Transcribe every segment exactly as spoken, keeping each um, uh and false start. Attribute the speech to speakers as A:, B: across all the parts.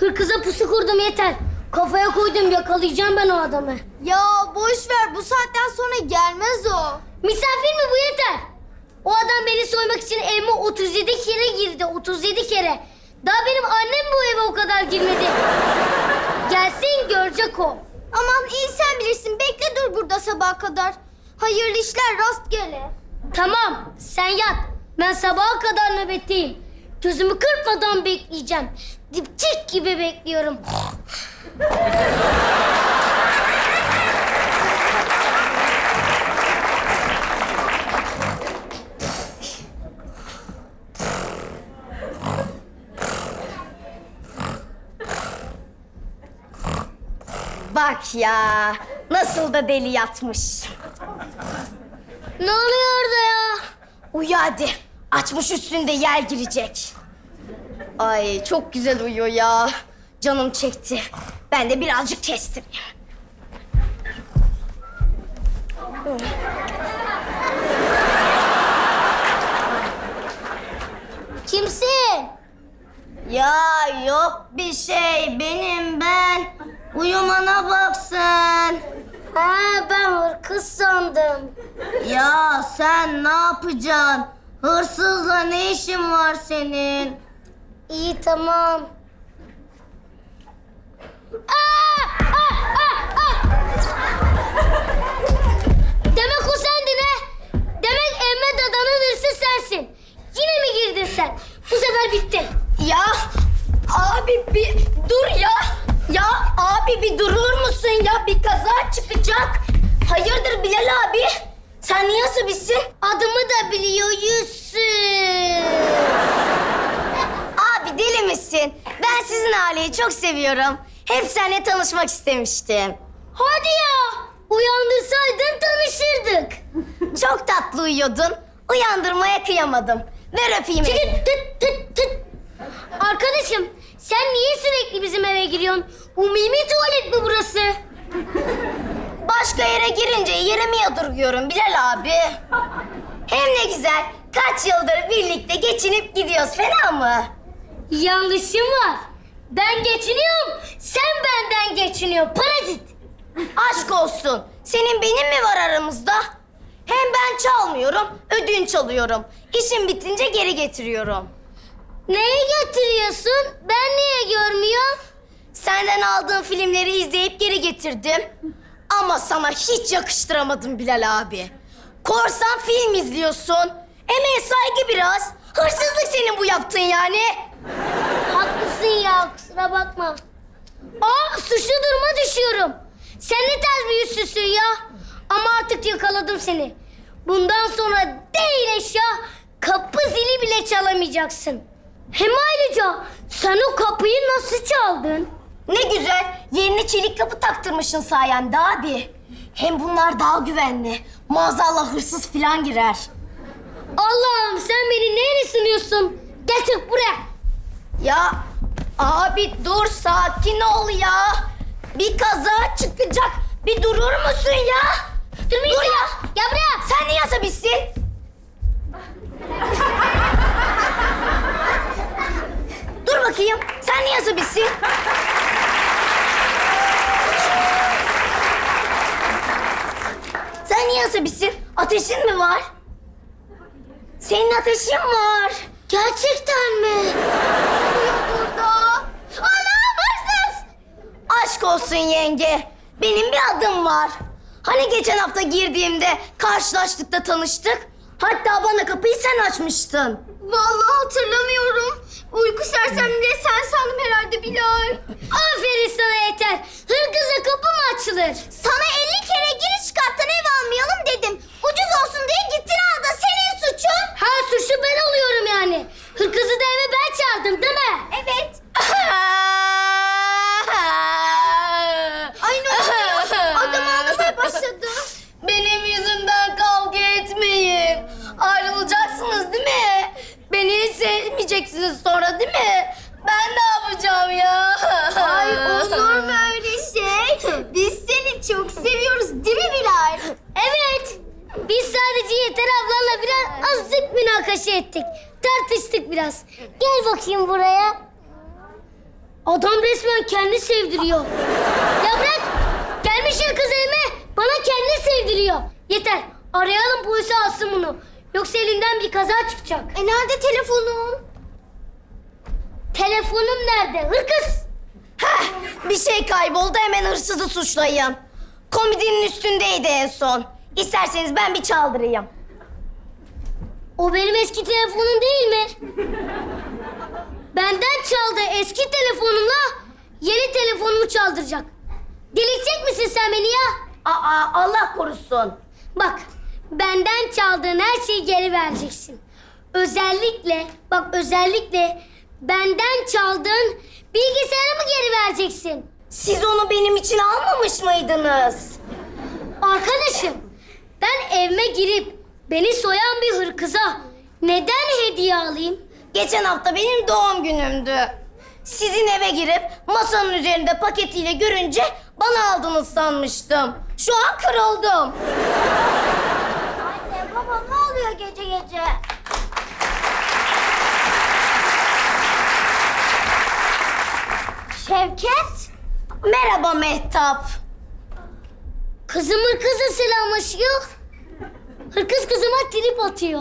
A: Hırkıza pusu kurdum yeter. Kafaya koydum, yakalayacağım ben o adamı.
B: Ya boş ver, bu saatten sonra gelmez o.
A: Misafir mi bu, yeter. O adam beni soymak için evime otuz yedi kere girdi, otuz yedi kere. Daha benim annem bu eve o kadar girmedi. Gelsin, görecek o.
B: Aman iyi, sen bilirsin. Bekle dur burada sabaha kadar. Hayırlı işler rastgele.
A: Tamam, sen yat. Ben sabaha kadar nöbetteyim. Gözümü kırpmadan bekleyeceğim. Dipçik gibi bekliyorum.
B: Bak ya, nasıl da deli yatmış.
A: Ne oluyor orada ya?
B: Uyu hadi. Açmış üstünde yer girecek. Ay çok güzel uyuyor ya. Canım çekti. Ben de birazcık kestim.
A: Kimsin?
B: Ya yok bir şey, benim ben. Uyumana bak sen.
A: Ha, ben hırkız sandım.
B: Ya sen ne yapacaksın? Hırsızla ne işin var senin?
A: İyi, tamam. Aa! Ah, ah, ah! Demek o sendin ha? Demek Emre dadanın hırsız sensin. Yine mi girdin sen? Bu sefer bitti.
B: Ya abi bir dur ya. Ya abi bir durur musun ya? Bir kaza çıkacak. Hayırdır Bilal abi? Sen niye asabişsin?
A: Adımı da biliyor Yusuf.
B: Abi deli misin? Ben sizin aileyi çok seviyorum. Hep seninle tanışmak istemiştim.
A: Hadi ya. Uyandırsaydın tanışırdık.
B: Çok tatlı uyuyordun. Uyandırmaya kıyamadım. Ver öpeyim
A: Çekil,
B: elini.
A: tıt tıt tıt. Arkadaşım, sen niye sürekli bizim eve giriyorsun? Umumi tuvalet mi burası?
B: Başka yere girince yerimi yadırgıyorum Bilal abi. Hem ne güzel. Kaç yıldır birlikte geçinip gidiyoruz. Fena mı?
A: Yanlışım var. Ben geçiniyorum, sen benden geçiniyorsun. Parazit.
B: Aşk olsun. Senin benim mi var aramızda? Hem ben çalmıyorum, ödünç alıyorum. İşim bitince geri getiriyorum.
A: Neye getiriyorsun? Ben niye görmüyorum?
B: Senden aldığım filmleri izleyip geri getirdim. Ama sana hiç yakıştıramadım Bilal abi. Korsan film izliyorsun. Emeğe saygı biraz. Hırsızlık senin bu yaptığın yani.
A: Haklısın ya, kusura bakma. Aa, suçlu duruma düşüyorum. Sen ne tarz bir yüzsüzsün ya. Ama artık yakaladım seni. Bundan sonra değil eşya, kapı zili bile çalamayacaksın. Hem ayrıca sen o kapıyı nasıl çaldın?
B: Ne güzel. Yerine çelik kapı taktırmışsın sayende abi. Hem bunlar daha güvenli. Maazallah hırsız falan girer.
A: Allah'ım, sen beni neyle sınıyorsun? Gel çık buraya.
B: Ya abi dur, sakin ol ya. Bir kaza çıkacak. Bir durur musun ya?
A: Durmayacağım.
B: Dur ya.
A: Gel buraya.
B: Sen niye asabişsin? Dur bakayım. Sen niye asabişsin? Sen niye asabişsin? Ateşin mi var? Senin ateşin var.
A: Gerçekten mi?
B: Burada. Anam, hırsız! Aşk olsun yenge. Benim bir adım var. Hani geçen hafta girdiğimde karşılaştık da tanıştık. Hatta bana kapıyı sen açmıştın. Vallahi hatırlamıyorum. Uyku sersemliği sen sandım herhalde Bilal.
A: Aferin sana, yeter. Hırkıza kapı mı açılır?
B: Sana elli kere giriş kattan ev almayalım dedim. Ucuz olsun diye gittin al da senin suçun.
A: Ha, suçlu ben oluyorum yani. Hırkızı da eve ben çağırdım değil mi?
B: Evet. Ay ne oluyor? Adam ağlamaya başladı. Benim yüzümden kavga etmeyin. Ayrılacaksınız değil mi? Beni hiç sevmeyeceksiniz sonra değil mi? Ben ne yapacağım ya? Ay olur mu öyle şey? Biz seni çok seviyoruz değil mi Bilal?
A: Evet. Biz sadece Yeter ablanla biraz azıcık münakaşa ettik. Tartıştık biraz. Gel bakayım buraya. Adam resmen kendi sevdiriyor. Ya bırak! Gelmişsin kız evime, bana kendi sevdiriyor. Yeter, arayalım polisi alsın bunu. Yoksa elinden bir kaza çıkacak.
B: E nerede telefonun?
A: Telefonum nerede? Hırkız!
B: Heh, bir şey kayboldu, hemen hırsızı suçlayın. Komodinin üstündeydi en son. İsterseniz ben bir çaldırayım.
A: O benim eski telefonum değil mi? Benden çaldı eski telefonumla yeni telefonumu çaldıracak. Delirtecek misin sen beni ya?
B: Aa, Allah korusun.
A: Bak, benden çaldığın her şeyi geri vereceksin. Özellikle, bak özellikle benden çaldığın bilgisayarımı geri vereceksin.
B: Siz onu benim için almamış mıydınız?
A: Arkadaşım, ben evime girip beni soyan bir hırkıza neden hediye alayım?
B: Geçen hafta benim doğum günümdü. Sizin eve girip masanın üzerinde paketiyle görünce bana aldınız sanmıştım. Şu an kırıldım. Anne, baba ne oluyor gece gece? Şevket? Merhaba Mehtap.
A: Kızım hırkızla selamlaşıyor. Hırkız kızıma trip atıyor.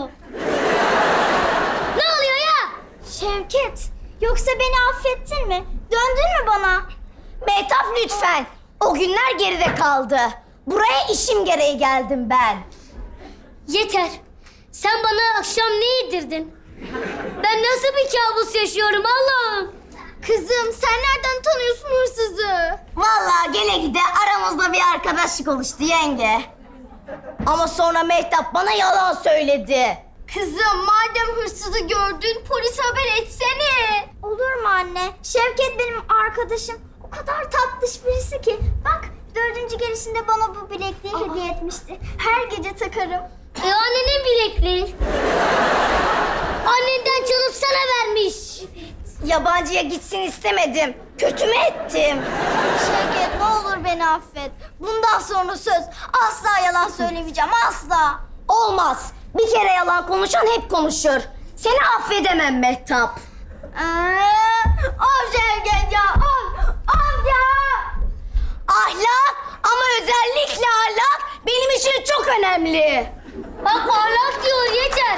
A: Ne oluyor ya?
B: Şevket, yoksa beni affettin mi? Döndün mü bana? Mehtap lütfen. O günler geride kaldı. Buraya işim gereği geldim ben.
A: Yeter. Sen bana akşam ne yedirdin? Ben nasıl bir kabus yaşıyorum Allah'ım?
B: Kızım, sen nereden tanıyorsun hırsızı? Vallahi gele gide aramızda bir arkadaşlık oluştu yenge. Ama sonra Mehtap bana yalan söyledi. Kızım, madem hırsızı gördün, polis haber etsene. Olur mu anne? Şevket benim arkadaşım. O kadar tatlış birisi ki. Bak, dördüncü gelişinde bana bu bilekliği hediye etmişti. Her gece takarım.
A: E annenin bilekliği. Annenden çalıp sana vermiş.
B: Yabancıya gitsin istemedim. Kötü mü ettim? Şevket, ne olur beni affet. Bundan sonra söz, asla yalan söylemeyeceğim, asla. Olmaz. Bir kere yalan konuşan hep konuşur. Seni affedemem Mehtap. Of Şevket ya, of, of ya. Ahlak, ama özellikle ahlak benim için çok önemli.
A: Bak ahlak diyor yeter.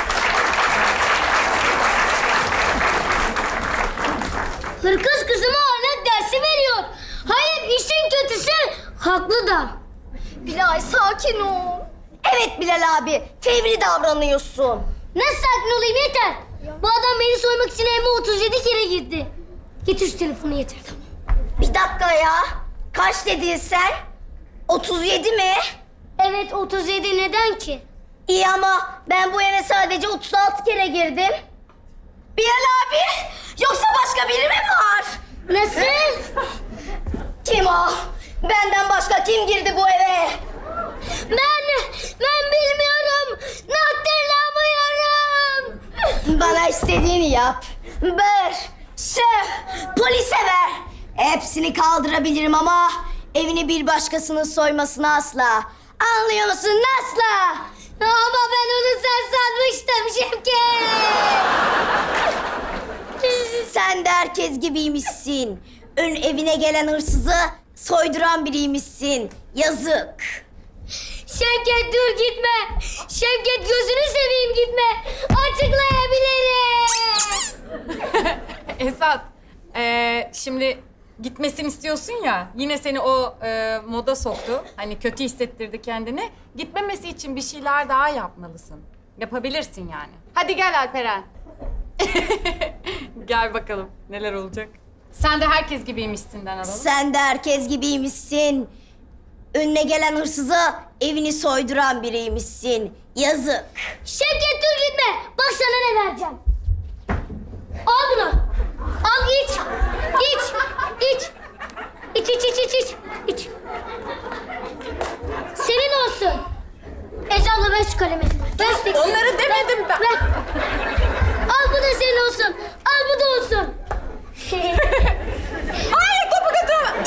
A: Hırkız kızıma ahlak dersi veriyor. Hayır işin kötüsü haklı da.
B: Bilal, sakin ol. Evet Bilal abi, fevri davranıyorsun.
A: Nasıl sakin olayım yeter. Bu adam beni soymak için evime otuz yedi kere girdi. Getir şu telefonu yeter tamam.
B: Bir dakika ya. Kaç dedin sen? otuz yedi mi?
A: Evet otuz yedi neden ki?
B: İyi ama ben bu eve sadece otuz altı kere girdim. Bilal abi, yoksa başka biri mi var?
A: Nasıl?
B: Kim o? Benden başka kim girdi bu eve?
A: Ben, ben bilmiyorum. Hatırlamıyorum.
B: Bana istediğini yap. Ver, söv, polise ver. Hepsini kaldırabilirim ama evini bir başkasının soymasını asla. Anlıyor musun? Asla.
A: Ama ben onu sen sanmıştım Şevket.
B: Sen de herkes gibiymişsin. Ön evine gelen hırsızı soyduran biriymişsin. Yazık.
A: Şevket dur gitme. Şevket gözünü seveyim gitme. Açıklayabilirim.
C: Esat, eee, şimdi gitmesini istiyorsun ya, yine seni o eee, moda soktu. Hani kötü hissettirdi kendini. Gitmemesi için bir şeyler daha yapmalısın. Yapabilirsin yani. Hadi gel Alperen. Gel bakalım neler olacak. Sen de herkes gibiymişsinden alalım.
B: Sen de herkes gibiymişsin. Önüne gelen hırsıza evini soyduran biriymişsin. Yazık.
A: Şevket dur gitme. Bak sana ne vereceğim. Al bunu. Al iç. İç. İç. İç iç iç iç iç. İç. Senin olsun. Ecal'la ver şu kalemi. Ver şu tekstili.
C: Onları demedim
A: Ver,
C: ben.
A: Ver. Al bu da senin olsun. Al bu da olsun.
C: Hayır, topu götürme.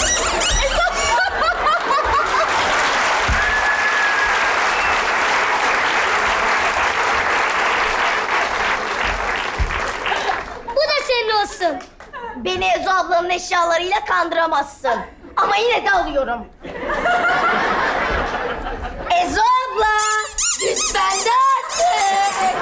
A: Bu da senin olsun.
B: Beni Ezo ablanın eşyalarıyla kandıramazsın. Ama yine de alıyorum. Ezo abla, güç bende artık.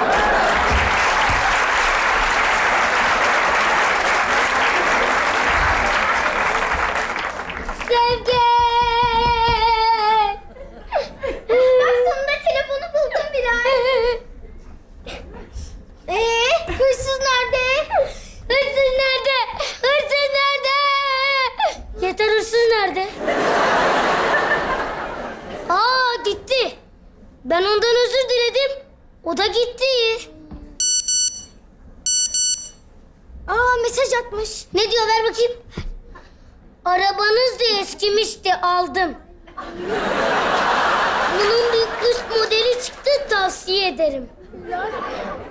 A: Sevgi! Bak sonunda telefonu buldum Bilal. Ee, hırsız nerede? Hırsız nerede? Hırsız nerede? Yeter, hırsız nerede? Aa, gitti. Ben ondan özür diledim. O da gitti. Aa, mesaj atmış. Ne diyor, ver bakayım. Arabanız da eskimişti, aldım. Bunun bir üst modeli çıktı, tavsiye ederim.